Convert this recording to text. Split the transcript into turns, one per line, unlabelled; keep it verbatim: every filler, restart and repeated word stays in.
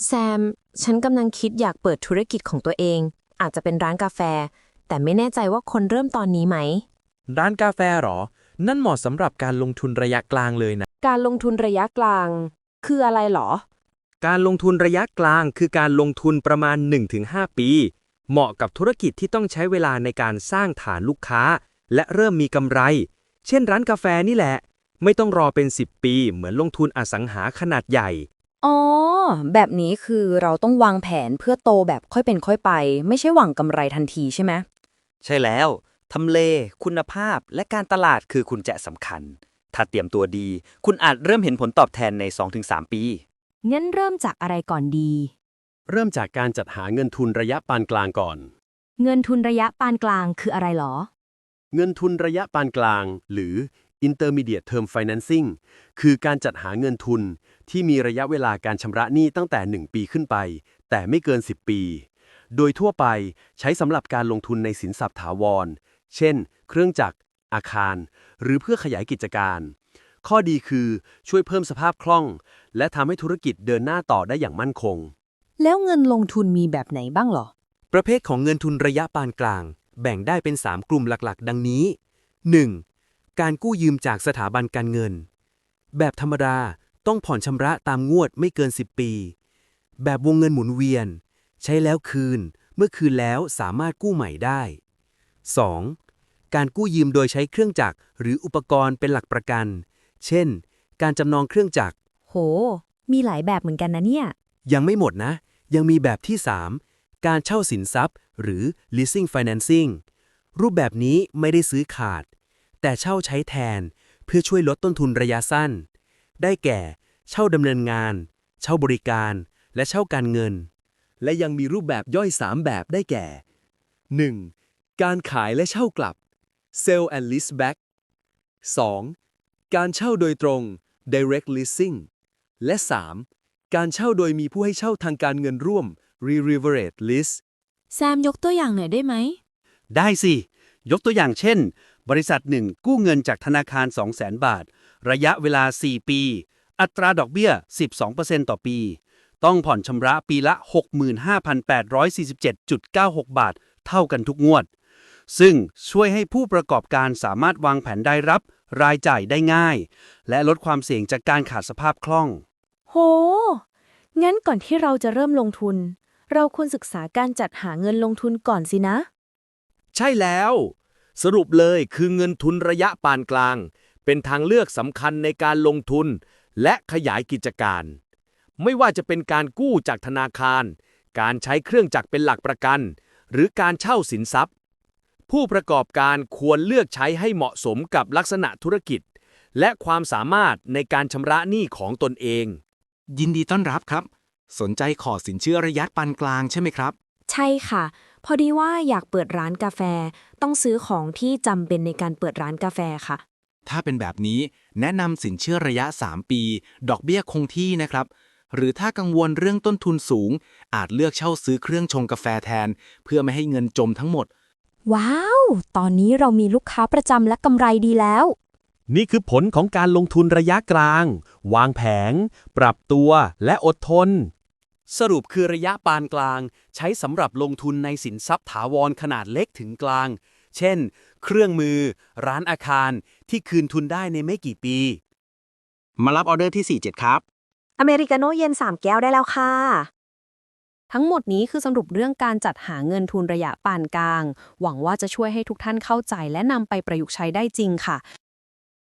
แซม ฉันกำลังคิดอยากเปิดธุรกิจของตัวเอง อาจจะเป็นร้านกาแฟ แต่ไม่แน่ใจว่าคนเริ่มตอนนี้ไหม
ร้านกาแฟหรอ นั่นเหมาะสำหรับการลงทุนระยะกลางเลยนะ
การลงทุนระยะกลาง คืออะไรหรอ
การลงทุนระยะกลางคือการลงทุนประมาณ หนึ่งถึงห้า ปี เหมาะกับธุรกิจที่ต้องใช้เวลาในการสร้างฐานลูกค้า และเริ่มมีกำไร เช่นร้านกาแฟนี่แหละ ไม่ต้องรอเป็น สิบ ปีเหมือนลงทุนอสังหาขนาดใหญ่
อ๋อ แบบนี้คือเราต้องวางแผนเพื่อโตแบบค่อยเป็นค่อยไป ไม่ใช่หวังกำไรทันทีใช่ไหม
ใช่แล้ว ทำเล คุณภาพ และการตลาดคือกุญแจสำคัญ ถ้าเตรียมตัวดี คุณอาจเริ่มเห็นผลตอบแทนใน สองถึงสาม ปี
งั้นเริ่มจากอะไรก่อนดี
เริ่มจากการจัดหาเงินทุนระยะปานกลางก่อน
เงินทุนระยะปานกลางคืออะไรหรอ
เงินทุนระยะปานกลาง หรือ Intermediate Term Financing คือการจัดหาเงินทุนที่มีระยะเวลาการชำระหนี้ตั้งแต่ หนึ่ง ปีขึ้นไป แต่ไม่เกิน สิบ ปี โดยทั่วไปใช้สำหรับการลงทุนในสินทรัพย์ถาวร เช่น เครื่องจักร อาคาร หรือเพื่อขยายกิจการ ข้อดีคือช่วยเพิ่มสภาพคล่อง และทำให้ธุรกิจเดินหน้าต่อได้อย่างมั่นคง
แล้วเงินลงทุนมีแบบไหนบ้างหรอ
ประเภทของเงินทุนระยะปานกลาง แบ่งได้เป็น สาม กลุ่มหลักๆ ดังนี้ หนึ่ง การกู้ยืมจากสถาบันการเงิน แบบธรรมดาต้องผ่อนชำระตามงวดไม่เกิน สิบ ปี แบบวงเงินหมุนเวียน ใช้แล้วคืน เมื่อคืนแล้วสามารถกู้ใหม่ได้ สอง การกู้ยืมโดยใช้เครื่องจักรหรืออุปกรณ์เป็นหลักประกัน เช่น การจำนองเครื่องจักร
โห มีหลายแบบเหมือนกันนะเนี่ย
ยังไม่หมดนะ ยังมีแบบที่ สาม การเช่าสินทรัพย์ หรือ leasing financing รูปแบบนี้ไม่ได้ซื้อขาด แต่เช่าใช้แทนเพื่อช่วยลดต้นทุนระยะสั้น ได้แก่ เช่าดำเนินงาน เช่าบริการ และเช่าการเงิน และยังมีรูปแบบย่อย สาม แบบได้แก่ หนึ่ง การขายและเช่ากลับ Sell and Lease Back สอง การเช่าโดยตรง Direct Leasing และ สาม การเช่าโดยมีผู้ให้เช่าทางการเงินร่วม Re-Leverage Lease
แซมยกตัวอย่างหน่อยได้ไหม
ได้สิ ยกตัวอย่างเช่น บริษัทหนึ่งกู้เงินจากธนาคาร สองแสน บาท ระยะเวลา สี่ ปี อัตราดอกเบี้ย สิบสองเปอร์เซ็นต์ ต่อปี ต้องผ่อนชำระปีละ หกหมื่นห้าพันแปดร้อยสี่สิบเจ็ดจุดเก้าหก บาท เท่ากันทุกงวด ซึ่งช่วยให้ผู้ประกอบการสามารถวางแผนได้รับ รายจ่ายได้ง่าย และลดความเสี่ยงจากการขาดสภาพคล่อง
โห งั้นก่อนที่เราจะเริ่มลงทุน เราควรศึกษาการจัดหาเงินลงทุนก่อนสินะ
ใช่แล้ว สรุปเลยคือเงินทุนระยะปานกลาง เป็นทางเลือกสำคัญในการลงทุน และขยายกิจการ ไม่ว่าจะเป็นการกู้จากธนาคาร การใช้เครื่องจักรเป็นหลักประกัน หรือการเช่าสินทรัพย์ ผู้ประกอบการควรเลือกใช้ให้เหมาะสมกับลักษณะธุรกิจ และความสามารถในการชำระหนี้ของตนเอง
ยินดีต้อนรับครับ สนใจขอสินเชื่อระยะปานกลางใช่ไหมครับ
ใช่ค่ะ พอดีว่าอยากเปิดร้านกาแฟ ต้องซื้อของที่จำเป็นในการเปิดร้านกาแฟค่ะ
ถ้าเป็นแบบนี้แนะนำสินเชื่อระยะ สาม ปี ดอกเบี้ยคงที่นะครับ หรือถ้ากังวลเรื่องต้นทุนสูง อาจเลือกเช่าซื้อเครื่องชงกาแฟแทน เพื่อไม่ให้เงินจมทั้งหมด
ว้าว ตอนนี้เรามีลูกค้าประจำและกำไรดีแล้ว
นี่คือผลของการลงทุนระยะกลาง วางแผน ปรับตัว และอดทน
สรุปคือระยะปานกลาง ใช้สำหรับลงทุนในสินทรัพย์ถาวรขนาดเล็กถึงกลาง เช่น เครื่องมือ ร้านอาคารที่คืนทุนได้ในไม่กี่ปี
มารับออเดอร์ที่ สี่เจ็ด ครับ
อเมริกาโน่เย็นสามแก้วได้แล้วค่ะ
ทั้งหมดนี้คือสรุปเรื่องการจัดหาเงินทุนระยะปานกลาง หวังว่าจะช่วยให้ทุกท่านเข้าใจและนำไปประยุกต์ใช้ได้จริงค่ะ